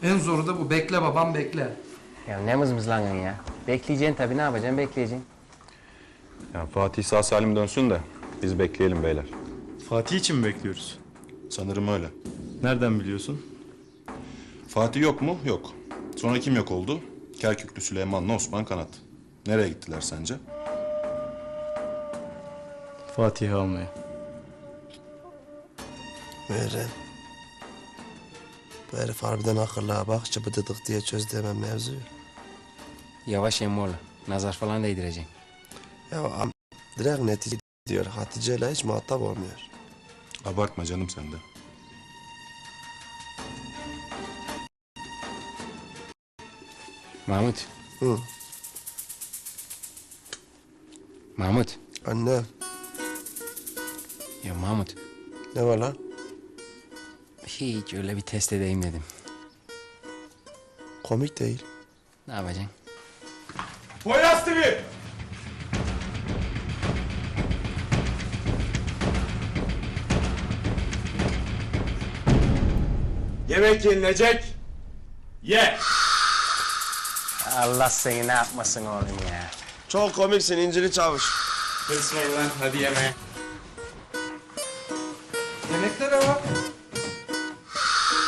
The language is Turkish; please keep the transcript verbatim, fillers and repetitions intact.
En zoru da bu. Bekle babam, bekle. Ya ne mızmızlanın ya? Bekleyeceksin tabii, ne yapacaksın? Bekleyeceksin. Ya Fatih sağ salim dönsün de biz bekleyelim beyler. Fatih için mi bekliyoruz? Sanırım öyle. Nereden biliyorsun? Fatih yok mu? Yok. Sonra kim yok oldu? Kerküklü Süleyman'la Osman Kanat. Nereye gittiler sence? Fatih'i almaya. Meğer bu herif harbiden akıllı ha. Bak çıbıdıdık diye çözdü hemen mevzuyu. Yavaş Emmoğlu. Nazar falan değdireceksin. Ya am direkt netice diyor. Hatice ile hiç muhatap olmuyor. Abartma canım sen de. Mahmut. Hı. Mahmut. Anne Ya Mahmut. ne var lan? Hiç öyle bir test edeyim dedim. Komik değil. Ne yapacaksın? Poyraz T V! Yemek yenilecek. Ye! Allah seni ne yapmasın oğlum ya. Çok komiksin İncili Çavuş. Kısmayın lan, hadi yemeğe. Yemeklere bak.